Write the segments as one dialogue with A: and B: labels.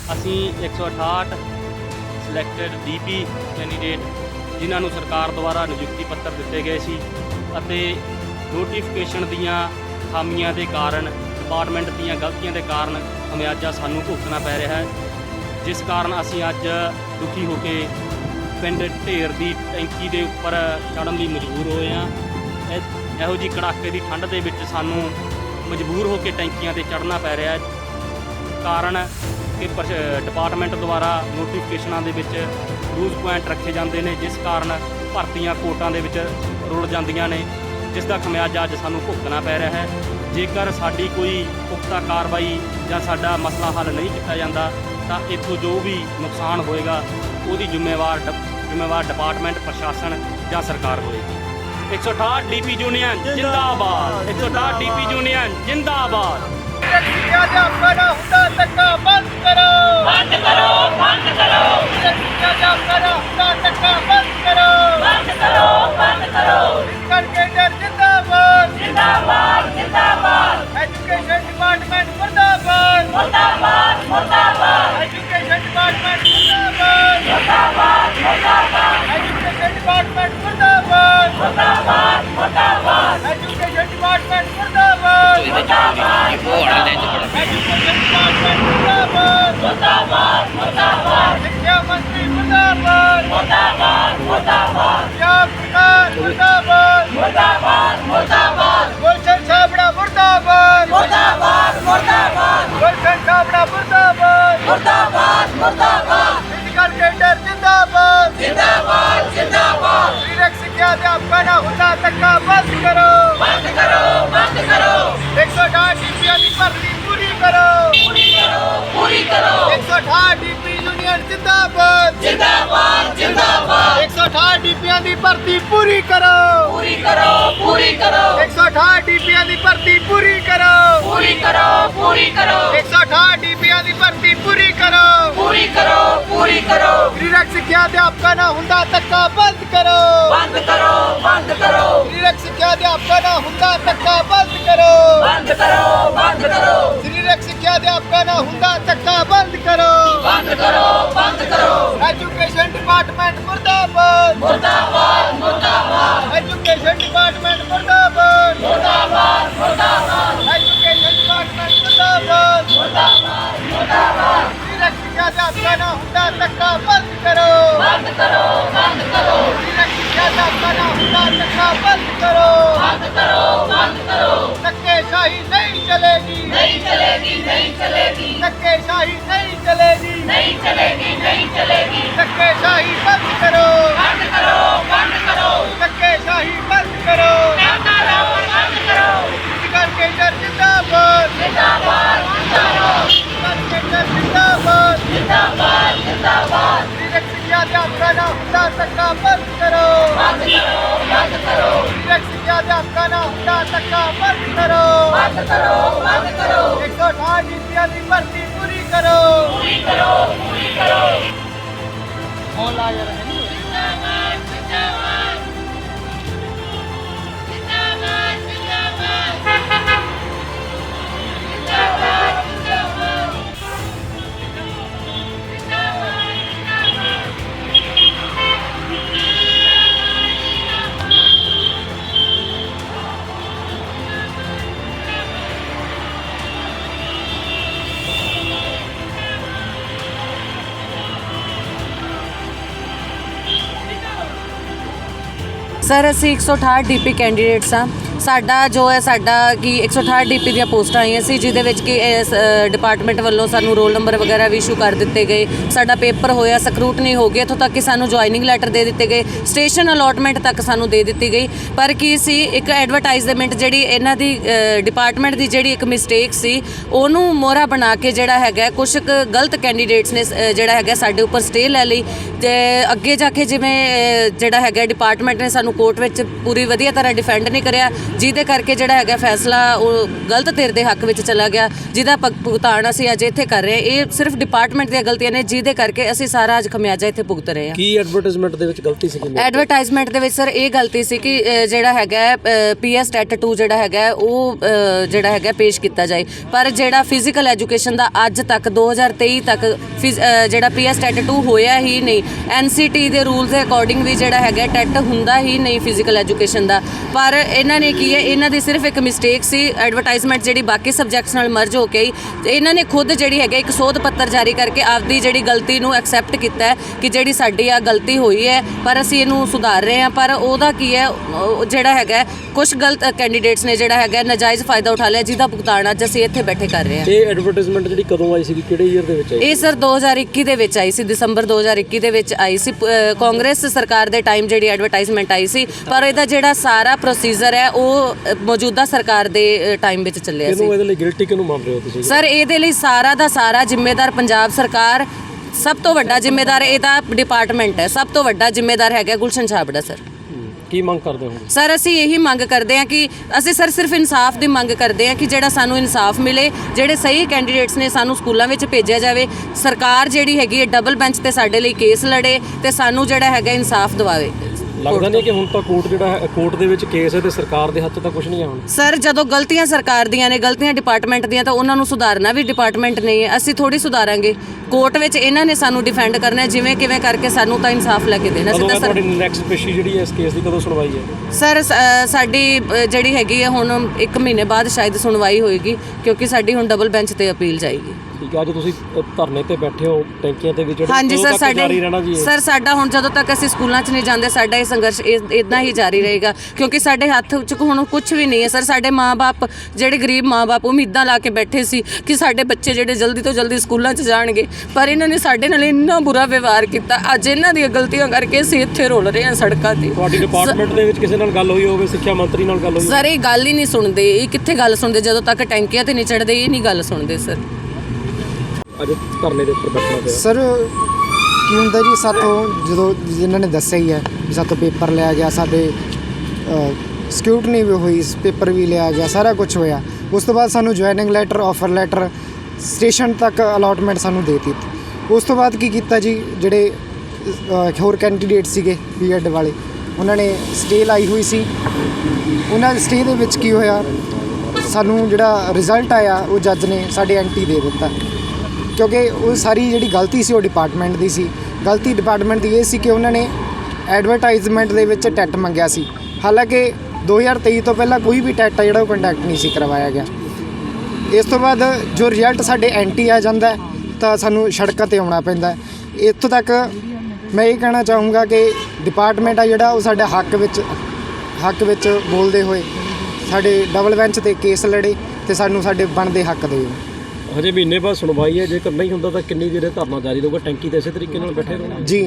A: ਅਸੀਂ 168 selected DP candidate ਜਿਨ੍ਹਾਂ ਨੂੰ ਸਰਕਾਰ ਦੁਆਰਾ ਨਿਯੁਕਤੀ ਪੱਤਰ ਦਿੱਤੇ ਗਏ ਸੀ ਅਤੇ ਨੋਟੀਫਿਕੇਸ਼ਨ ਦੀਆਂ ਖਾਮੀਆਂ ਦੇ ਕਾਰਨ, ਡਿਪਾਰਟਮੈਂਟ ਦੀਆਂ ਗਲਤੀਆਂ ਦੇ ਕਾਰਨ ਖਮਿਆਜਾ ਸਾਨੂੰ ਭੁਗਤਣਾ ਪੈ ਰਿਹਾ ਹੈ, ਜਿਸ ਕਾਰਨ ਅਸੀਂ ਅੱਜ ਦੁਖੀ ਹੋ ਕੇ ਪਿੰਡ ਢੇਰ ਦੀ ਟੈਂਕੀ ਦੇ ਉੱਪਰ ਚੜ੍ਹਨ ਲਈ ਮਜਬੂਰ ਹੋਏ ਹਾਂ। ਇਹੋ ਜਿਹੀ ਕੜਾਕੇ ਦੀ ਠੰਡ ਦੇ ਵਿੱਚ ਸਾਨੂੰ ਮਜਬੂਰ ਹੋ ਕੇ ਟੈਂਕੀਆਂ 'ਤੇ ਚੜ੍ਹਨਾ ਪੈ ਰਿਹਾ ਹੈ। ਕਾਰਨ ਕਿ ਡਿਪਾਰਟਮੈਂਟ ਦੁਆਰਾ ਨੋਟੀਫਿਕੇਸ਼ਨਾਂ ਦੇ ਵਿੱਚ ਲੂਜ਼ ਪੁਆਇੰਟ ਰੱਖੇ ਜਾਂਦੇ ਨੇ, ਜਿਸ ਕਾਰਨ ਭਰਤੀਆਂ ਕੋਟਾਂ ਦੇ ਵਿੱਚ ਰੁਲ ਜਾਂਦੀਆਂ ਨੇ, ਜਿਸ ਦਾ ਖਮਿਆਜਾ ਅੱਜ ਸਾਨੂੰ ਭੁਗਤਣਾ ਪੈ ਰਿਹਾ ਹੈ। ਜੇਕਰ ਸਾਡੀ ਕੋਈ ਪੁਖਤਾ ਕਾਰਵਾਈ ਜਾਂ ਸਾਡਾ ਮਸਲਾ ਹੱਲ ਨਹੀਂ ਕੀਤਾ ਜਾਂਦਾ ਤਾਂ ਇੱਥੋਂ ਜੋ ਵੀ ਨੁਕਸਾਨ ਹੋਏਗਾ ਉਹਦੀ ਜ਼ਿੰਮੇਵਾਰ ਡਿਪਾਰਟਮੈਂਟ, ਪ੍ਰਸ਼ਾਸਨ ਜਾਂ ਸਰਕਾਰ ਹੋਏਗੀ। 168 ਡੀਪੀ ਯੂਨੀਅਨ ਜਿੰਦਾਬਾਦ, 168 ਡੀਪੀ ਯੂਨੀਅਨ ਜਿੰਦਾਬਾਦ।
B: ਬੰਦ ਕਰੋ, ਬੰਦ ਕਰੋ, ਬੰਦ ਕਰੋ, ਬੰਦ ਕਰੋ, ਬੰਦ ਕਰੋ, ਬੰਦ ਕਰੋ। ਜਿੰਦਾਬਾਦ, ਜਿੰਦਾਬਾਦ, ਜਿੰਦਾਬਾਦ। ਐਜੂਕੇਸ਼ਨ ਡਿਪਾਰਟਮੈਂਟ ਮੁਰਦਾਬਾਦ, ਮੁਰਦਾਬਾਦ, ਮੁਰਦਾਬਾਦ। ਐਜੂਕੇਸ਼ਨ ਡਿਪਾਰਟਮੈਂਟ ਮੁਰਦਾਬਾਦ, ਮੁਰਦਾਬਾਦ, ਮੁਰਦਾਬਾਦ। ਐਜੂਕੇਸ਼ਨ ਡਿਪਾਰਟਮੈਂਟ ਮੁਰਦਾਬਾਦ, ਮੁਰਦਾਬਾਦ, ਮੁਰਦਾਬਾਦ। ਐਜੂਕੇਸ਼ਨ ਡਿਪਾਰਟਮੈਂਟ ਮੁਰਦਾਬਾਦ, ਮੁਰਦਾਬਾਦ। ਐਜੂਕੇਸ਼ਨ ਡਿਪਾਰਟਮੈਂਟ ਮੁਰਦਾਬਾਦ, ਮੁਰਦਾਬਾਦ, ਮੁਰਦਾਬਾਦ। ਸਿੱਖਿਆ ਮੰਤਰੀ ਮੁਰਦਾਬਾਦ, ਮੁਰਦਾਬਾਦ, ਮੁਰਦਾਬਾਦ। ਪੰਜਾਬ ਸਰਕਾਰ ਮੁਰਦਾਬਾਦ, ਮੁਰਦਾਬਾਦ, ਮੁਰਦਾਬਾਦ। ਗੁਲਸ਼ਨ ਛਾਬੜਾ ਮੁਰਦਾਬਾਦ, ਮੁਰਦਾਬਾਦ, ਮੁਰਦਾਬਾਦ। ਗੁਲਸ਼ਨ ਛਾਬੜਾ ਮੁਰਦਾਬਾਦ, ਮੁਰਦਾਬਾਦ, ਮੁਰਦਾਬਾਦ। ਫਿਜ਼ੀਕਲ ਟ੍ਰੇਨਰ ਜਿੰਦਾਬਾਦ, ਜਿੰਦਾਬਾਦ, ਜਿੰਦਾਬਾਦ। ਸਰੀਰਕ ਸਿੱਖਿਆ ਅਧਿਆਪਕਾਂ ਦਾ ਹੁੰਦਾ ਧੱਕਾ ਬੰਦ ਕਰੋ, ਬੰਦ ਕਰੋ, ਬੰਦ ਕਰੋ। 168 ਡੀਪੀਆਂ ਦੀ ਭਰਤੀ ਪੂਰੀ ਕਰੋ, ਪੂਰੀ ਕਰੋ, ਪੂਰੀ ਕਰੋ। 168 ਡੀਪੀ ਯੂਨੀਅਨ ਜਿੰਦਾਬਾਦ, ਜਿੰਦਾਬਾਦ, ਜਿੰਦਾਬਾਦ। 168 ਡੀਪੀਆਂ ਦੀ ਭਰਤੀ ਪੂਰੀ ਕਰੋ, ਪੂਰੀ ਕਰੋ, ਪੂਰੀ ਕਰੋ। 168 ਡੀਪੀਆਂ ਦੀ ਭਰਤੀ ਪੂਰੀ ਕਰੋ, ਪੂਰੀ ਕਰੋ, ਪੂਰੀ ਕਰੋ। 168 ਡੀਪੀਆਂ ਦੀ ਭਰਤੀ ਪੂਰੀ ਕਰੋ, ਪੂਰੀ ਕਰੋ, ਪੂਰੀ ਕਰੋ। ਸਰੀਰਕ ਸਿੱਖਿਆ ਅਧਿਆਪਕਾਂ ਦਾ ਹੁੰਦਾ ਧੱਕਾ ਬੰਦ ਕਰੋ, ਬੰਦ ਕਰੋ, ਬੰਦ ਕਰੋ। ਸਰੀਰਕ ਸਿੱਖਿਆ ਅਧਿਆਪਕਾਂ ਦਾ ਹੁੰਦਾ ਧੱਕਾ ਬੰਦ ਕਰੋ, ਬੰਦ ਕਰੋ, ਬੰਦ ਕਰੋ। ਸਰੀਰਕ ਸਿੱਖਿਆ ਅਧਿਆਪਕਾਂ ਦਾ ਹੁੰਦਾ ਧੱਕਾ ਬੰਦ ਕਰੋ, ਬੰਦ ਕਰੋ, ਬੰਦ ਕਰੋ। ਐਜੂਕੇਸ਼ਨ ਡਿਪਾਰਟਮੈਂਟ ਮੁਰਦਾਬਾਦ, ਮੁਰਦਾਬਾਦ, ਮੁਰਦਾਬਾਦ। ਐਜੂਕੇਸ਼ਨ ਡਿਪਾਰਟਮੈਂਟ ਮੁਰਦਾਬਾਦ, ਮੁਰਦਾਬਾਦ, ਮੁਰਦਾਬਾਦ। ਐਜੂਕੇਸ਼ਨ ਡਿਪਾਰਟਮੈਂਟ ਮੁਰਦਾਬਾਦ, ਮੁਰਦਾਬਾਦ, ਮੁਰਦਾਬਾਦ। ਸਰੀਰਕ ਸਿੱਖਿਆ ਅਧਿਆਪਕਾਂ ਦਾ ਹੁੰਦਾ ਧੱਕਾ ਬੰਦ ਕਰੋ, ਬੰਦ ਕਰੋ, ਬੰਦ ਕਰੋ। ਸਰੀਰਕ ਸਿੱਖਿਆ ਅਧਿਆਪਕਾਂ ਦਾ ਹੁੰਦਾ ਧੱਕਾ ਬੰਦ ਕਰੋ, ਬੰਦ ਕਰੋ, ਬੰਦ ਕਰੋ। ਧੱਕੇਸ਼ਾਹੀ ਨਹੀਂ ਚਲੇਗੀ, ਨਹੀਂ ਚਲੇਗੀ, ਨਹੀਂ ਚਲੇਗੀ। ਧੱਕੇਸ਼ਾਹੀ ਨਹੀਂ ਚਲੇਗੀ, ਨਹੀਂ ਚਲੇਗੀ, ਨਹੀਂ ਚਲੇਗੀ। ਧੱਕੇਸ਼ਾਹੀ ਬੰਦ ਕਰੋ, ਬੰਦ ਕਰੋ, ਬੰਦ ਕਰੋ। ਧੱਕੇਸ਼ਾਹੀ ਬੰਦ ਕਰੋ, ਬੰਦ ਕਰੋ, ਬੰਦ ਕਰੋ। ਫਿਜ਼ੀਕਲ ਟ੍ਰੇਨਰ ਜਿੰਦਾਬਾਦ, ਜਿੰਦਾਬਾਦ, ਜਿੰਦਾਬਾਦ। ਫਿਜ਼ੀਕਲ ਟ੍ਰੇਨਰ ਜਿੰਦਾਬਾਦ, ਜਿੰਦਾਬਾਦ, ਜਿੰਦਾਬਾਦ। ਸਰੀਰਕ ਸਿੱਖਿਆ ਅਧਿਆਪਕਾਂ ਦਾ ਹੁੰਦਾ ਧੱਕਾ ਬੰਦ ਕਰੋ, ਬੰਦ ਕਰੋ, ਬੰਦ ਕਰੋ। ਸਰੀਰਕ ਸਿੱਖਿਆ ਅਧਿਆਪਕਾਂ ਦਾ ਹੁੰਦਾ ਧੱਕਾ ਬੰਦ ਕਰੋ, ਬੰਦ ਕਰੋ, ਬੰਦ ਕਰੋ। 168 ਡੀਪੀਆਂ ਦੀ ਭਰਤੀ ਪੂਰੀ ਕਰੋ, ਪੂਰੀ ਕਰੋ, ਪੂਰੀ ਕਰੋ। ਫੋਨ ਲਾ ਜਾ ਰਹੇ ਨੇ। ਜਿੰਦਾਬਾਦ, ਜਿੰਦਾਬਾਦ, ਜਿੰਦਾਬਾਦ, ਜਿੰਦਾਬਾਦ।
C: ਸਰ ਅਸੀਂ 168 ਡੀਪੀ ਕੈਂਡੀਡੇਟਸ ਹਾਂ। ਸਾਡਾ ਜੋ ਹੈ ਕਿ 168 ਡੀਪੀ ਦੀਆਂ ਪੋਸਟਾਂ ਆਈਆਂ ਸੀ, ਜਿਹਦੇ ਵਿੱਚ ਕਿ ਇਸ ਡਿਪਾਰਟਮੈਂਟ ਵੱਲੋਂ ਸਾਨੂੰ ਰੋਲ ਨੰਬਰ ਵਗੈਰਾ ਵੀ ਇਸ਼ੂ ਕਰ ਦਿੱਤੇ ਗਏ। ਸਾਡਾ ਪੇਪਰ ਹੋਇਆ, ਸਕਰੂਟਨੀ ਹੋ ਗਈ, ਇੱਥੋਂ ਤੱਕ ਕਿ ਸਾਨੂੰ ਜੁਆਇਨਿੰਗ ਲੈਟਰ ਦੇ ਦਿੱਤੇ ਗਏ, ਸਟੇਸ਼ਨ ਅਲੋਟਮੈਂਟ ਤੱਕ ਸਾਨੂੰ ਦੇ ਦਿੱਤੀ ਗਈ। ਪਰ ਕੀ ਸੀ, ਇੱਕ ਐਡਵਰਟਾਈਜ਼ਮੈਂਟ ਜਿਹੜੀ ਇਹਨਾਂ ਦੀ ਡਿਪਾਰਟਮੈਂਟ ਦੀ ਜਿਹੜੀ ਇੱਕ ਮਿਸਟੇਕ ਸੀ, ਉਹਨੂੰ ਮੋਹਰਾ ਬਣਾ ਕੇ ਜਿਹੜਾ ਹੈਗਾ ਕੁਛ ਕੁ ਗਲਤ ਕੈਂਡੀਡੇਟਸ ਨੇ ਜਿਹੜਾ ਹੈਗਾ ਸਾਡੇ ਉੱਪਰ ਸਟੇ ਲੈ ਲਈ। ਅਤੇ ਅੱਗੇ ਜਾ ਕੇ ਜਿਵੇਂ ਜਿਹੜਾ ਹੈਗਾ ਡਿਪਾਰਟਮੈਂਟ ਨੇ ਸਾਨੂੰ ਕੋਰਟ ਵਿੱਚ ਪੂਰੀ ਵਧੀਆ ਤਰ੍ਹਾਂ ਡਿਫੈਂਡ ਨਹੀਂ ਕਰਿਆ। ਜਿਹਦੇ ਕਰਕੇ ਜਿਹੜਾ ਹੈਗਾ ਫੈਸਲਾ ਉਹ ਗਲਤ ਧਿਰ ਦੇ ਹੱਕ ਵਿੱਚ ਚਲਾ ਗਿਆ, ਜਿਹਦਾ ਭੁਗਤਾਨ ਅਸੀਂ ਅੱਜ ਇੱਥੇ ਕਰ ਰਹੇ ਹਾਂ। ਇਹ ਸਿਰਫ ਡਿਪਾਰਟਮੈਂਟ ਦੀਆਂ ਗਲਤੀਆਂ ਨੇ, ਜਿਹਦੇ ਕਰਕੇ ਅਸੀਂ ਸਾਰਾ ਅੱਜ ਖਮਿਆਜਾ ਇੱਥੇ ਭੁਗਤ ਰਹੇ ਹਾਂ।
D: ਕੀ ਐਡਵਰਟਾਈਜ਼ਮੈਂਟ ਦੇ ਵਿੱਚ ਗਲਤੀ ਸੀ?
C: ਐਡਵਰਟਾਈਜ਼ਮੈਂਟ ਦੇ ਵਿੱਚ ਸਰ ਇਹ ਗਲਤੀ ਸੀ ਕਿ ਜਿਹੜਾ ਹੈਗਾ PS ਟੈਟ 2 ਜਿਹੜਾ ਹੈਗਾ ਉਹ ਜਿਹੜਾ ਹੈਗਾ ਪੇਸ਼ ਕੀਤਾ ਜਾਏ, ਪਰ ਜਿਹੜਾ ਫਿਜ਼ੀਕਲ ਐਜੂਕੇਸ਼ਨ ਦਾ ਅੱਜ ਤੱਕ 2023 ਤੱਕ ਜਿਹੜਾ PS ਟੈਟ 2 ਹੋਇਆ ਹੀ ਨਹੀਂ। NCT ਦੇ ਰੂਲਸ ਦੇ ਅਕੋਰਡਿੰਗ ਵੀ ਜਿਹੜਾ ਹੈਗਾ ਟੈਟ ਹੁੰਦਾ ਹੀ ਨਹੀਂ ਫਿਜ਼ੀਕਲ ਐਜੂਕੇਸ਼ਨ ਦਾ। ਪਰ ਇਹਨਾਂ ਨੇ ਕੀ ਹੈ, ਇਹਨਾਂ ਦੀ ਸਿਰਫ ਇੱਕ ਮਿਸਟੇਕ ਸੀ, ਐਡਵਰਟਾਈਜ਼ਮੈਂਟ ਜਿਹੜੀ ਬਾਕੀ ਸਬਜੈਕਟਸ ਨਾਲ ਮਰਜ ਹੋ ਕੇ ਆਈ। ਇਹਨਾਂ ਨੇ ਖੁਦ ਜਿਹੜੀ ਹੈਗਾ ਇੱਕ ਸੋਧ ਪੱਤਰ ਜਾਰੀ ਕਰਕੇ ਆਪਦੀ ਜਿਹੜੀ ਗਲਤੀ ਨੂੰ ਐਕਸੈਪਟ ਕੀਤਾ ਹੈ ਕਿ ਜਿਹੜੀ ਸਾਡੀ ਆ ਗਲਤੀ ਹੋਈ ਹੈ, ਪਰ ਅਸੀਂ ਇਹਨੂੰ ਸੁਧਾਰ ਰਹੇ ਹਾਂ। ਪਰ ਉਹਦਾ ਕੀ ਹੈ, ਜਿਹੜਾ ਹੈਗਾ ਕੁਝ ਗਲਤ ਕੈਂਡੀਡੇਟਸ ਨੇ ਜਿਹੜਾ ਹੈਗਾ ਨਾਜਾਇਜ਼ ਫਾਇਦਾ ਉਠਾ ਲਿਆ, ਜਿਹਦਾ ਭੁਗਤਾਨ ਅੱਜ ਅਸੀਂ ਇੱਥੇ ਬੈਠੇ ਕਰ ਰਹੇ ਹਾਂ।
D: ਇਹ ਐਡਵਰਟਾਈਜ਼ਮੈਂਟ ਜਿਹੜੀ ਕਦੋਂ ਆਈ ਸੀ, ਕਿਹੜੇ ਈਅਰ ਦੇ ਵਿੱਚ ਆਈ?
C: ਇਹ ਸਰ 2021 ਦੇ ਵਿੱਚ ਆਈ ਸੀ, ਦਸੰਬਰ 2021 ਦੇ ਵਿੱਚ ਆਈ ਸੀ। ਕਾਂਗਰਸ ਸਰਕਾਰ ਦੇ ਟਾਈਮ ਜਿਹੜੀ ਐਡਵਰਟਾਈਜ਼ਮੈਂਟ ਆਈ ਸੀ, ਪਰ ਇਹਦਾ ਜਿਹੜਾ ਸਾਰਾ ਪ੍ਰੋਸੀਜਰ ਹੈ ਉਹ ਮੌਜੂਦਾ ਸਰਕਾਰ ਦੇ ਟਾਈਮ ਵਿੱਚ ਚੱਲਿਆ ਸੀ।
D: ਕਿਹਨੂੰ ਇਹਦੇ ਲਈ ਗਿਲਟੀ ਕਿਹਨੂੰ ਮੰਨ ਰਹੇ ਹੋ ਤੁਸੀਂ?
C: ਸਰ ਇਹਦੇ ਲਈ ਸਾਰਾ ਦਾ ਸਾਰਾ ਜ਼ਿੰਮੇਦਾਰ ਪੰਜਾਬ ਸਰਕਾਰ, ਸਭ ਤੋਂ ਵੱਡਾ ਜ਼ਿੰਮੇਦਾਰ ਇਹਦਾ ਡਿਪਾਰਟਮੈਂਟ ਹੈ, ਸਭ ਤੋਂ ਵੱਡਾ ਜ਼ਿੰਮੇਦਾਰ ਹੈਗਾ ਗੁਲਸ਼ਨ ਛਾਬੜਾ ਸਰ।
D: ਕੀ ਮੰਗ ਕਰਦੇ ਹੋ
C: ਸਰ? ਅਸੀਂ ਇਹੀ ਮੰਗ ਕਰਦੇ ਹਾਂ ਕਿ ਅਸੀਂ ਸਰ ਸਿਰਫ ਇਨਸਾਫ ਦੀ ਮੰਗ ਕਰਦੇ ਹਾਂ ਕਿ ਜਿਹੜਾ ਸਾਨੂੰ ਇਨਸਾਫ ਮਿਲੇ, ਜਿਹੜੇ ਸਹੀ ਕੈਂਡੀਡੇਟਸ ਨੇ ਸਾਨੂੰ ਸਕੂਲਾਂ ਵਿੱਚ ਭੇਜਿਆ ਜਾਵੇ। ਸਰਕਾਰ ਜਿਹੜੀ ਹੈਗੀ ਹੈ ਡਬਲ ਬੈਂਚ ਤੇ ਸਾਡੇ ਲਈ ਕੇਸ ਲੜੇ ਤੇ ਸਾਨੂੰ ਜਿਹੜਾ ਹੈਗਾ ਇਨਸਾਫ ਦਿਵਾਵੇ।
D: ਲੱਗਦਾ ਨਹੀਂ ਕਿ ਹੁਣ ਤਾਂ ਕੋਰਟ ਜਿਹੜਾ ਹੈ, ਕੋਰਟ ਦੇ ਵਿੱਚ ਕੇਸ ਹੈ ਤੇ ਸਰਕਾਰ ਦੇ ਹੱਥ ਤਾਂ ਕੁਝ ਨਹੀਂ ਹੈ ਹੁਣ।
C: ਸਰ ਜਦੋਂ ਗਲਤੀਆਂ ਸਰਕਾਰ ਦੀਆਂ ਨੇ, ਗਲਤੀਆਂ ਡਿਪਾਰਟਮੈਂਟ ਦੀਆਂ, ਤਾਂ ਉਹਨਾਂ ਨੂੰ ਸੁਧਾਰਨਾ ਵੀ ਡਿਪਾਰਟਮੈਂਟ ਨਹੀਂ ਹੈ। ਅਸੀਂ ਥੋੜੀ ਸੁਧਾਰਾਂਗੇ, ਕੋਰਟ ਵਿੱਚ ਇਹਨਾਂ ਨੇ ਸਾਨੂੰ ਡਿਫੈਂਡ ਕਰਨਾ ਹੈ, ਜਿਵੇਂ ਕਿਵੇਂ ਕਰਕੇ ਸਾਨੂੰ ਤਾਂ ਇਨਸਾਫ ਲੈ ਕੇ ਦੇਣਾ।
D: ਕਦੋਂ ਹੈ ਤੁਹਾਡੀ ਨੈਕਸਟ ਪੇਸ਼ੀ ਜਿਹੜੀ ਹੈ ਇਸ ਕੇਸ ਦੀ, ਕਦੋਂ ਸੁਣਵਾਈ ਹੈ?
C: ਸਰ ਸਾਡੀ ਜਿਹੜੀ ਹੈਗੀ ਹੈ ਹੁਣ 1 ਮਹੀਨੇ ਬਾਅਦ ਸ਼ਾਇਦ ਸੁਣਵਾਈ ਹੋਏਗੀ, ਕਿਉਂਕਿ ਸਾਡੀ ਹੁਣ ਡਬਲ ਬੈਂਚ ਤੇ ਅਪੀਲ ਜਾਏਗੀ।
D: ਠੀਕ ਹੈ, ਅੱਜ ਤੁਸੀਂ ਧਰਨੇ ਤੇ ਬੈਠੇ ਹੋ ਟੈਂਕੀਆਂ ਤੇ ਵੀ,
C: ਹਾਂਜੀ ਸਰ,
D: ਸਾਡੇ
C: ਸਰ ਸਾਡਾ ਹੁਣ ਜਦੋਂ ਤੱਕ ਅਸੀਂ ਸਕੂਲਾਂ 'ਚ ਨਹੀਂ ਜਾਂਦੇ, ਸਾਡਾ ਇਹ ਸੰਘਰਸ਼ ਇਦਾਂ ਹੀ ਜਾਰੀ ਰਹੇਗਾ, ਕਿਉਂਕਿ ਸਾਡੇ ਹੱਥ 'ਚ ਹੁਣ ਕੁਝ ਵੀ ਨਹੀਂ ਹੈ ਸਰ। ਸਾਡੇ ਮਾਂ-ਬਾਪ, ਜਿਹੜੇ ਗਰੀਬ ਮਾਂ-ਬਾਪ, ਉਮੀਦਾਂ ਲਾ ਕੇ ਬੈਠੇ ਸੀ ਕਿ ਸਾਡੇ ਬੱਚੇ ਜਿਹੜੇ ਜਲਦੀ ਤੋਂ ਜਲਦੀ ਸਕੂਲਾਂ 'ਚ ਜਾਣਗੇ, ਪਰ ਇਹਨਾਂ ਨੇ ਸਾਡੇ ਨਾਲ ਇੰਨਾ ਬੁਰਾ ਵਿਵਹਾਰ ਕੀਤਾ। ਅੱਜ ਇਹਨਾਂ ਦੀਆਂ ਗਲਤੀਆਂ ਕਰਕੇ ਅਸੀਂ ਇੱਥੇ ਰੋਲ ਰਹੇ ਹਾਂ ਸੜਕਾਂ ਤੇ।
D: ਤੁਹਾਡੀ ਡਿਪਾਰਟਮੈਂਟ ਦੇ ਵਿੱਚ ਕਿਸੇ ਨਾਲ ਗੱਲ ਹੋਈ ਹੋਵੇ, ਸਿੱਖਿਆ ਮੰਤਰੀ ਨਾਲ ਗੱਲ ਹੋਈ?
C: ਸਰ ਇਹ ਗੱਲ ਹੀ ਨਹੀਂ ਸੁਣਦੇ, ਇਹ ਕਿੱਥੇ ਗੱਲ ਸੁਣਦੇ? ਜਦੋਂ ਤੱਕ ਟੈਂਕੀਆਂ ਤੇ ਨਹੀਂ ਚੜ੍ਹਦੇ ਇਹ ਨਹੀਂ ਗੱਲ ਸੁਣਦੇ ਸਰ।
D: ਅੱਜ ਧਰਨੇ ਦੇ ਉੱਪਰ ਬੈਠਣਾ ਪਿਆ
E: ਸਰ ਕੀ ਹੁੰਦਾ ਜੀ, ਸਾਥੋਂ ਜਦੋਂ ਜਿਨ੍ਹਾਂ ਨੇ ਦੱਸਿਆ ਹੀ ਹੈ ਵੀ ਸਾਥੋਂ ਪੇਪਰ ਲਿਆ ਗਿਆ, ਸਾਡੇ ਸਿਕਿਉਰਿਟੀ ਵੀ ਹੋਈ, ਪੇਪਰ ਵੀ ਲਿਆ ਗਿਆ, ਸਾਰਾ ਕੁਝ ਹੋਇਆ। ਉਸ ਤੋਂ ਬਾਅਦ ਸਾਨੂੰ joining letter, offer letter, station ਤੱਕ ਅਲਾਟਮੈਂਟ ਸਾਨੂੰ ਦੇ ਦਿੱਤੀ। ਉਸ ਤੋਂ ਬਾਅਦ ਕੀ ਕੀਤਾ ਜੀ, ਜਿਹੜੇ ਹੋਰ ਕੈਂਡੀਡੇਟ ਸੀਗੇ B.Ed ਵਾਲੇ, ਉਹਨਾਂ ਨੇ ਸਟੇ ਲਾਈ ਹੋਈ ਸੀ। ਉਹਨਾਂ ਦੇ ਸਟੇ ਦੇ ਵਿੱਚ ਕੀ ਹੋਇਆ, ਸਾਨੂੰ ਜਿਹੜਾ ਰਿਜ਼ਲਟ ਆਇਆ ਉਹ ਜੱਜ ਨੇ ਸਾਡੇ ਐਂਟੀ ਦੇ ਦਿੱਤਾ, ਕਿਉਂਕਿ ਉਹ ਸਾਰੀ ਜਿਹੜੀ ਗਲਤੀ ਸੀ ਉਹ ਡਿਪਾਰਟਮੈਂਟ ਦੀ ਸੀ। ਗਲਤੀ ਡਿਪਾਰਟਮੈਂਟ ਦੀ ਇਹ ਸੀ ਕਿ ਉਹਨਾਂ ਨੇ ਐਡਵਰਟਾਈਜ਼ਮੈਂਟ ਦੇ ਵਿੱਚ ਟੈਟ ਮੰਗਿਆ ਸੀ, ਹਾਲਾਂਕਿ 2023 ਤੋਂ ਪਹਿਲਾਂ ਕੋਈ ਵੀ ਟੈਟ ਜਿਹੜਾ ਉਹ ਕੰਡਕਟ ਨਹੀਂ ਸੀ ਕਰਵਾਇਆ ਗਿਆ। ਇਸ ਤੋਂ ਬਾਅਦ ਜੋ ਰਿਜ਼ਲਟ ਸਾਡੇ ਐਂਟੀ ਆ ਜਾਂਦਾ ਤਾਂ ਸਾਨੂੰ ਸੜਕਾਂ 'ਤੇ ਆਉਣਾ ਪੈਂਦਾ। ਇੱਥੋਂ ਤੱਕ ਮੈਂ ਇਹ ਕਹਿਣਾ ਚਾਹੂੰਗਾ ਕਿ ਡਿਪਾਰਟਮੈਂਟ ਆ ਜਿਹੜਾ ਉਹ ਸਾਡੇ ਹੱਕ ਵਿੱਚ ਬੋਲਦੇ ਹੋਏ ਸਾਡੇ ਡਬਲ ਬੈਂਚ 'ਤੇ ਕੇਸ ਲੜੇ ਤੇ ਸਾਨੂੰ ਸਾਡੇ ਬਣਦੇ ਹੱਕ ਦਿਓ।
D: ਹਜੇ ਮਹੀਨੇ ਬਾਅਦ ਸੁਣਵਾਈ ਹੈ, ਜੇਕਰ ਨਹੀਂ ਹੁੰਦਾ ਤਾਂ ਕਿੰਨੀ ਦੇਰ ਧਰਨਾ ਜਾਰੀ ਰਹੂਗਾ? ਟੈਂਕੀ ਤੇ ਇਸੇ ਤਰੀਕੇ ਨਾਲ ਬੈਠੇ ਰਹੋਗੇ
E: ਜੀ?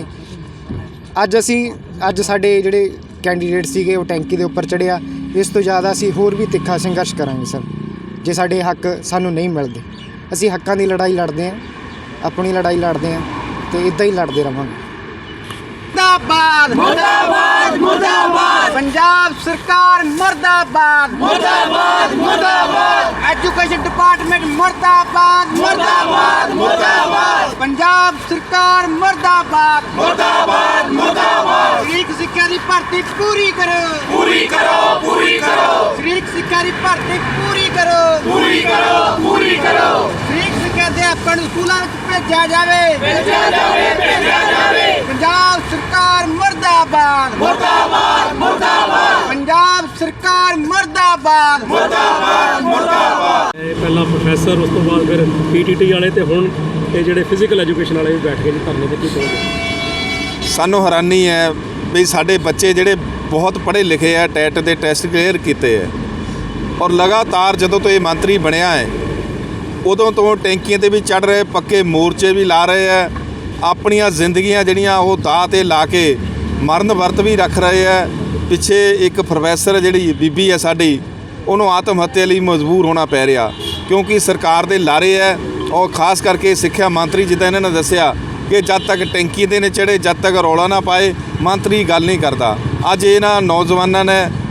E: ਅੱਜ ਸਾਡੇ ਜਿਹੜੇ ਕੈਂਡੀਡੇਟ ਸੀਗੇ ਉਹ ਟੈਂਕੀ ਦੇ ਉੱਪਰ ਚੜ੍ਹਿਆ। ਇਸ ਤੋਂ ਜ਼ਿਆਦਾ ਅਸੀਂ ਹੋਰ ਵੀ ਤਿੱਖਾ ਸੰਘਰਸ਼ ਕਰਾਂਗੇ ਸਰ, ਜੇ ਸਾਡੇ ਹੱਕ ਸਾਨੂੰ ਨਹੀਂ ਮਿਲਦੇ। ਅਸੀਂ ਹੱਕਾਂ ਦੀ ਲੜਾਈ ਲੜਦੇ ਹਾਂ, ਆਪਣੀ ਲੜਾਈ ਲੜਦੇ ਹਾਂ ਤੇ ਇੱਦਾਂ ਹੀ ਲੜਦੇ ਰਹਾਂਗੇ।
B: ਮੁਰਦਾਬਾਦ ਮੁਰਦਾਬਾਦ ਮੁਰਦਾਬਾਦ, ਪੰਜਾਬ ਸਰਕਾਰ ਮੁਰਦਾਬਾਦ ਮੁਰਦਾਬਾਦ ਮੁਰਦਾਬਾਦ, ਐਜੂਕੇਸ਼ਨ ਡਿਪਾਰਟਮੈਂਟ ਮੁਰਦਾਬਾਦ ਮੁਰਦਾਬਾਦ ਮੁਰਦਾਬਾਦ, ਪੰਜਾਬ ਸਰਕਾਰ ਮੁਰਦਾਬਾਦ ਮੁਰਦਾਬਾਦ ਮੁਰਦਾਬਾਦ। ਸਰੀਰਕ ਸਿੱਖਿਆ ਦੀ ਭਰਤੀ ਪੂਰੀ ਕਰੋ, ਪੂਰੀ ਕਰੋ, ਪੂਰੀ ਕਰੋ। ਸਰੀਰਕ ਸਿੱਖਿਆ ਦੀ ਭਰਤੀ ਪੂਰੀ ਕਰੋ, ਪੂਰੀ ਕਰੋ, ਪੂਰੀ ਕਰੋ। ਸਰੀਰਕ ਸਿੱਖਿਆ ਅਧਿਆਪਕਾਂ ਨੂੰ ਸਕੂਲਾਂ ਵਿੱਚ ਭੇਜਿਆ ਜਾਵੇ, ਭੇਜਿਆ ਜਾਵੇ, ਭੇਜਿਆ ਜਾਵੇ। ਪੰਜਾਬ ਸਰਕਾਰ ਮੁਰਦਾਬਾਦ ਮੁਰਦਾਬਾਦ ਮੁਰਦਾਬਾਦ, ਪੰਜਾਬ ਸਰਕਾਰ ਮੁਰਦਾਬਾਦ ਮੁਰਦਾਬਾਦ ਮੁਰਦਾਬਾਦ।
D: ਪਹਿਲਾਂ ਪ੍ਰੋਫੈਸਰ, ਉਸ ਤੋਂ ਬਾਅਦ ਫਿਰ PTT ਵਾਲੇ ਤੇ ਹੁਣ ਇਹ ਜਿਹੜੇ ਫਿਜ਼ੀਕਲ ਐਜੂਕੇਸ਼ਨ ਵਾਲੇ ਵੀ ਬੈਠ ਗਏ ਜੀ ਧਰਨੇ ਤੇ। ਕੀ ਕਹੋਗੇ?
F: ਸਾਨੂੰ ਹੈਰਾਨੀ ਹੈ ਵੀ ਸਾਡੇ ਬੱਚੇ ਜਿਹੜੇ ਬਹੁਤ ਪੜ੍ਹੇ ਲਿਖੇ ਆ, ਟੈਟ ਦੇ ਟੈਸਟ ਕਲੀਅਰ ਕੀਤੇ ਹੈ, ਔਰ ਲਗਾਤਾਰ ਜਦੋਂ ਤੋਂ ਇਹ ਮੰਤਰੀ ਬਣਿਆ ਹੈ ਉਦੋਂ ਤੋਂ ਟੈਂਕੀਆਂ ਤੇ ਵੀ ਚੜ੍ਹ ਰਹੇ, ਪੱਕੇ ਮੋਰਚੇ ਵੀ ਲਾ ਰਹੇ ਹੈ, ਆਪਣੀਆਂ ਜ਼ਿੰਦਗੀਆਂ ਜਿਹੜੀਆਂ ਉਹ ਦਾਅ 'ਤੇ ਲਾ ਕੇ ਮਰਨ ਵਰਤ ਵੀ ਰੱਖ ਰਹੇ ਹੈ। ਪਿੱਛੇ ਇੱਕ ਪ੍ਰੋਫੈਸਰ ਜਿਹੜੀ ਬੀਬੀ ਹੈ ਸਾਡੀ, ਉਹਨੂੰ ਆਤਮ ਹੱਤਿਆ ਲਈ ਮਜਬੂਰ ਹੋਣਾ ਪੈ ਰਿਹਾ, ਕਿਉਂਕਿ ਸਰਕਾਰ ਦੇ ਲਾਰੇ ਹੈ। ਔਰ ਖਾਸ ਕਰਕੇ ਸਿੱਖਿਆ ਮੰਤਰੀ, ਜਿੱਦਾਂ ਇਹਨਾਂ ਨੇ ਦੱਸਿਆ ਕਿ ਜਦ ਤੱਕ ਟੈਂਕੀ ਦੇ ਨੇ ਚੜ੍ਹੇ, ਜਦ ਤੱਕ ਰੌਲਾ ਨਾ ਪਾਏ ਮੰਤਰੀ ਗੱਲ ਨਹੀਂ ਕਰਦਾ। ਅੱਜ ਇਹਨਾਂ ਨੌਜਵਾਨਾਂ ਨੇ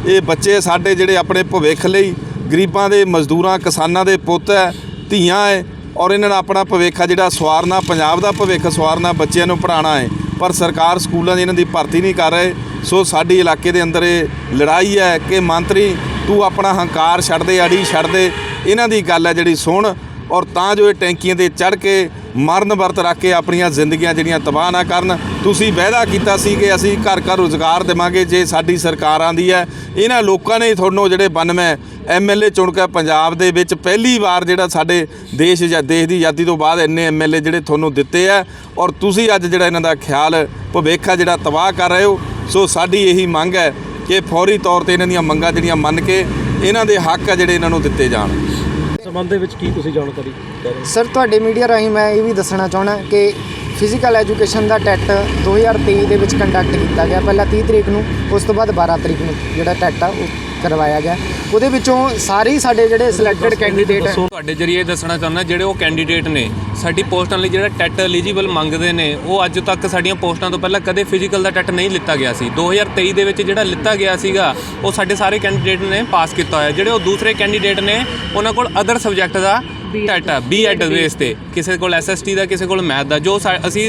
F: ਇਹ ਬੱਚੇ ਸਾਡੇ ਜਿਹੜੇ ਆਪਣੇ ਭਵਿੱਖ ਲਈ ਗਰੀਬਾਂ ਦੇ ਮਜ਼ਦੂਰਾਂ ਕਿਸਾਨਾਂ ਦੇ ਪੁੱਤ ਹੈ, ਧੀਆਂ ਹੈ, ਔਰ ਇਹਨਾਂ ਦਾ ਆਪਣਾ ਭਵਿੱਖ ਆ ਜਿਹੜਾ ਸਵਾਰਨਾ, ਪੰਜਾਬ ਦਾ ਭਵਿੱਖ ਸਵਾਰਨਾ, ਬੱਚਿਆਂ ਨੂੰ ਪੜ੍ਹਾਉਣਾ ਹੈ। ਪਰ ਸਰਕਾਰ ਸਕੂਲਾਂ 'ਚ ਇਹਨਾਂ ਦੀ ਭਰਤੀ ਨਹੀਂ ਕਰ ਰਹੇ। ਸੋ ਸਾਡੀ ਇਲਾਕੇ ਦੇ ਅੰਦਰ ਇਹ ਲੜਾਈ ਹੈ ਕਿ ਮੰਤਰੀ ਤੂੰ ਆਪਣਾ ਹੰਕਾਰ ਛੱਡ ਦੇ, ਅੜੀ ਛੱਡ ਦੇ, ਇਹਨਾਂ ਦੀ ਗੱਲ ਹੈ ਜਿਹੜੀ ਸੁਣ, ਔਰ ਤਾਂ ਜੋ ਇਹ ਟੈਂਕੀਆਂ 'ਤੇ ਚੜ੍ਹ ਕੇ ਮਰਨ ਵਰਤ ਰੱਖ ਕੇ ਆਪਣੀਆਂ ਜ਼ਿੰਦਗੀਆਂ ਜਿਹੜੀਆਂ ਤਬਾਹ ਨਾ ਕਰਨ। ਤੁਸੀਂ ਵਾਅਦਾ ਕੀਤਾ ਸੀ ਕਿ ਅਸੀਂ ਘਰ ਘਰ ਰੁਜ਼ਗਾਰ ਦੇਵਾਂਗੇ ਜੇ ਸਾਡੀ ਸਰਕਾਰ ਆਉਂਦੀ ਹੈ। ਇਹਨਾਂ ਲੋਕਾਂ ਨੇ ਤੁਹਾਨੂੰ ਜਿਹੜੇ 92 MLA ਚੁਣ ਕੇ ਪੰਜਾਬ ਦੇ ਵਿੱਚ ਪਹਿਲੀ ਵਾਰ ਜਿਹੜਾ ਸਾਡੇ ਦੇਸ਼ ਦੀ ਆਜ਼ਾਦੀ ਤੋਂ ਬਾਅਦ ਇੰਨੇ MLA ਜਿਹੜੇ ਤੁਹਾਨੂੰ ਦਿੱਤੇ ਆ, ਔਰ ਤੁਸੀਂ ਅੱਜ ਜਿਹੜਾ ਇਹਨਾਂ ਦਾ ਖਿਆਲ ਭਵਿੱਖ ਆ ਜਿਹੜਾ ਤਬਾਹ ਕਰ ਰਹੇ ਹੋ। ਸੋ ਸਾਡੀ ਇਹੀ ਮੰਗ ਹੈ ਕਿ ਫੌਰੀ ਤੌਰ ਤੇ ਇਹਨਾਂ ਦੀਆਂ ਮੰਗਾਂ ਜਿਹੜੀਆਂ ਮੰਨ ਕੇ ਇਹਨਾਂ ਦੇ ਹੱਕ ਆ ਜਿਹੜੇ ਇਹਨਾਂ ਨੂੰ ਦਿੱਤੇ ਜਾਣ।
D: ਸੰਬੰਧ ਦੇ ਵਿੱਚ ਕੀ ਤੁਸੀਂ ਜਾਣਕਾਰੀ ਦੇ ਰਹੇ ਹੋ?
E: ਸਰ ਤੁਹਾਡੇ ਮੀਡੀਆ ਰਾਹੀਂ ਮੈਂ ਇਹ ਵੀ ਦੱਸਣਾ ਚਾਹੁੰਦਾ ਕਿ ਫਿਜ਼ੀਕਲ ਐਜੂਕੇਸ਼ਨ ਦਾ ਟੈਟ 2023 ਦੇ ਵਿੱਚ ਕੰਡਕਟ ਕੀਤਾ ਗਿਆ। ਪਹਿਲਾਂ 30 ਤਰੀਕ ਨੂੰ, ਉਸ ਤੋਂ ਬਾਅਦ 12 ਤਰੀਕ ਨੂੰ ਜਿਹੜਾ ਟੈਟ ਆ ਉਹ ਕਰਵਾਇਆ ਗਿਆ। ਉਹਦੇ ਵਿੱਚੋਂ ਸਾਰੇ ਸਾਡੇ ਜਿਹੜੇ ਸਿਲੈਕਟਡ ਕੈਂਡੀਡੇਟ
G: ਤੁਹਾਡੇ ਜਰੀਏ ਦੱਸਣਾ ਚਾਹੁੰਦਾ ਜਿਹੜੇ ਉਹ ਕੈਂਡੀਡੇਟ ਨੇ ਸਾਡੀ ਪੋਸਟਾਂ ਲਈ ਜਿਹੜਾ ਟੈਟ ਐਲੀਜੀਬਲ ਮੰਗਦੇ ਨੇ, ਉਹ ਅੱਜ ਤੱਕ ਸਾਡੀਆਂ ਪੋਸਟਾਂ ਤੋਂ ਪਹਿਲਾਂ ਕਦੇ ਫਿਜ਼ੀਕਲ ਦਾ ਟੈਟ ਨਹੀਂ ਲਿੱਤਾ ਗਿਆ ਸੀ। 2023 ਦੇ ਵਿੱਚ ਜਿਹੜਾ ਲਿੱਤਾ ਗਿਆ ਸੀਗਾ ਉਹ ਸਾਡੇ ਸਾਰੇ ਕੈਂਡੀਡੇਟ ਨੇ ਪਾਸ ਕੀਤਾ ਹੋਇਆ। ਜਿਹੜੇ ਉਹ ਦੂਸਰੇ ਕੈਂਡੀਡੇਟ ਨੇ ਉਹਨਾਂ ਕੋਲ ਅਦਰ ਸਬਜੈਕਟ ਦਾ ਟੈਟ ਆ, B.Ed ਬੇਸ 'ਤੇ, ਕਿਸੇ ਕੋਲ SST ਦਾ, ਕਿਸੇ ਕੋਲ ਮੈਥ ਦਾ। ਜੋ ਅਸੀਂ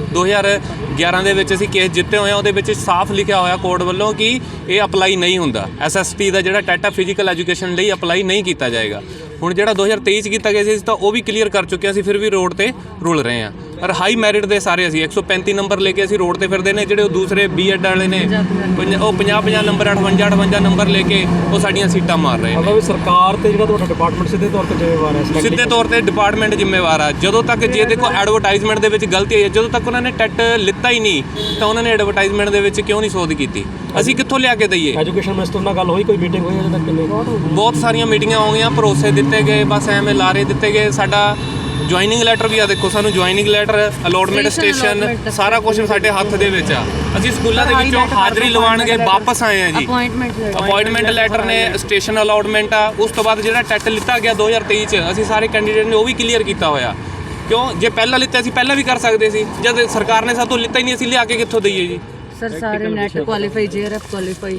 G: 2011 ਦੇ ਵਿੱਚ ਅਸੀਂ ਕੇਸ ਜਿੱਤੇ ਹੋਏ ਆ, ਉਹਦੇ ਵਿੱਚ ਸਾਫ਼ ਲਿਖਿਆ ਹੋਇਆ ਕੋਰਟ ਵੱਲੋਂ ਕਿ ਇਹ ਅਪਲਾਈ ਨਹੀਂ ਹੁੰਦਾ। SST ਦਾ ਜਿਹੜਾ ਟੈਟ ਆ ਫਿਜ਼ੀਕਲ ਐਜੂਕੇਸ਼ਨ ਲਈ ਅਪਲਾਈ ਨਹੀਂ ਕੀਤਾ ਜਾਏਗਾ। ਹੁਣ ਜਿਹੜਾ 2023 'ਚ ਕੀਤਾ ਗਿਆ ਸੀ ਤਾਂ ਉਹ ਵੀ ਕਲੀਅਰ ਕਰ ਚੁੱਕੇ ਅਸੀਂ, ਫਿਰ ਵੀ ਰੋਡ ਤੇ ਰੁਲ ਰਹੇ ਹਾਂ। ਪਰ ਹਾਈ ਮੈਰਿਟ ਦੇ ਸਾਰੇ ਅਸੀਂ 135 ਨੰਬਰ ਲੈ ਕੇ ਅਸੀਂ ਰੋਡ ਤੇ ਫਿਰਦੇ ਨੇ। ਜਿਹੜੇ ਉਹ ਦੂਸਰੇ B.Ed ਵਾਲੇ ਨੇ ਉਹ 50 ਨੰਬਰ 58 ਨੰਬਰ ਲੈ ਕੇ ਉਹ ਸਾਡੀਆਂ ਸੀਟਾਂ ਮਾਰ ਰਹੇ ਨੇ।
D: ਮਤਲਬ ਸਰਕਾਰ ਤੇ ਜਿਹੜਾ ਤੁਹਾਡਾ ਡਿਪਾਰਟਮੈਂਟ ਸਿੱਧੇ ਤੌਰ ਤੇ ਜ਼ਿੰਮੇਵਾਰ ਹੈ?
G: ਸਿੱਧੇ ਤੌਰ ਤੇ ਡਿਪਾਰਟਮੈਂਟ ਜ਼ਿੰਮੇਵਾਰ ਆ। ਜਦੋਂ ਤੱਕ ਜੇ ਦੇਖੋ ਐਡਵਰਟਾਈਜ਼ਮੈਂਟ ਦੇ ਵਿੱਚ ਗਲਤੀ ਆਈ ਹੈ, ਜਦੋਂ ਤੱਕ ਉਹਨਾਂ ਨੇ ਟੈਟ ਲਿੱਤਾ ਹੀ ਨਹੀਂ ਤਾਂ ਉਹਨਾਂ ਨੇ ਐਡਵਰਟਾਈਜ਼ਮੈਂਟ ਦੇ ਵਿੱਚ ਕਿਉਂ ਨਹੀਂ ਸੋਧ ਕੀਤੀ? ਅਸੀਂ ਕਿੱਥੋਂ ਲਿਆ ਕੇ ਦਈਏ?
D: ਐਜੂਕੇਸ਼ਨ ਮਿਨਿਸਟਰ ਨਾਲ ਗੱਲ ਹੋਈ, ਕੋਈ ਮੀਟਿੰਗ ਹੋਈ ਅਜੇ ਤੱਕ?
G: ਬਹੁਤ ਸਾਰੀਆਂ ਮੀਟਿੰਗਾਂ ਹੋ ਗਈਆਂ, ਭਰੋਸੇ ਦਿੱਤੇ ਗਏ, ਬਸ ਐਵੇਂ ਲਾਰੇ ਦਿੱਤੇ ਗਏ। ਸਾਡਾ ਜੁਆਇਨਿੰਗ ਲੈਟਰ ਵੀ ਆ, ਦੇਖੋ ਸਾਨੂੰ ਜੁਆਇਨਿੰਗ ਲੈਟਰ, ਅਲੋਟਮੈਂਟ ਸਟੇਸ਼ਨ, ਸਾਰਾ ਕੁਝ ਸਾਡੇ ਹੱਥ ਦੇ ਵਿੱਚ ਆ। ਅਸੀਂ ਸਕੂਲਾਂ ਦੇ ਵਿੱਚੋਂ ਹਾਜ਼ਰੀ ਲਵਾਉਣਗੇ ਵਾਪਸ ਆਏ ਆ ਜੀ। ਅਪਾਇੰਟਮੈਂਟ ਲੈਟਰ ਨੇ, ਸਟੇਸ਼ਨ ਅਲਾਟਮੈਂਟ ਆ। ਉਸ ਤੋਂ ਬਾਅਦ ਜਿਹੜਾ ਟੈਟ ਲਿੱਤਾ ਗਿਆ 2023 'ਚ ਅਸੀਂ ਸਾਰੇ ਕੈਂਡੀਡੇਟ ਨੇ ਉਹ ਵੀ ਕਲੀਅਰ ਕੀਤਾ ਹੋਇਆ। ਕਿਉਂ? ਜੇ ਪਹਿਲਾਂ ਲਿੱਤਾ ਸੀ ਪਹਿਲਾਂ ਵੀ ਕਰ ਸਕਦੇ ਸੀ। ਜਦ ਸਰਕਾਰ ਨੇ ਸਾਤੋਂ ਲਿੱਤਾ ਹੀ ਨਹੀਂ, ਅਸੀਂ ਲਿਆ ਕੇ ਕਿੱਥੋਂ ਦਈਏ ਜੀ?
C: ਸਰ ਸਾਰੇ ਨੈਟ ਕੁਆਲੀਫਾਈ, JRF ਕੁਆਲੀਫਾਈ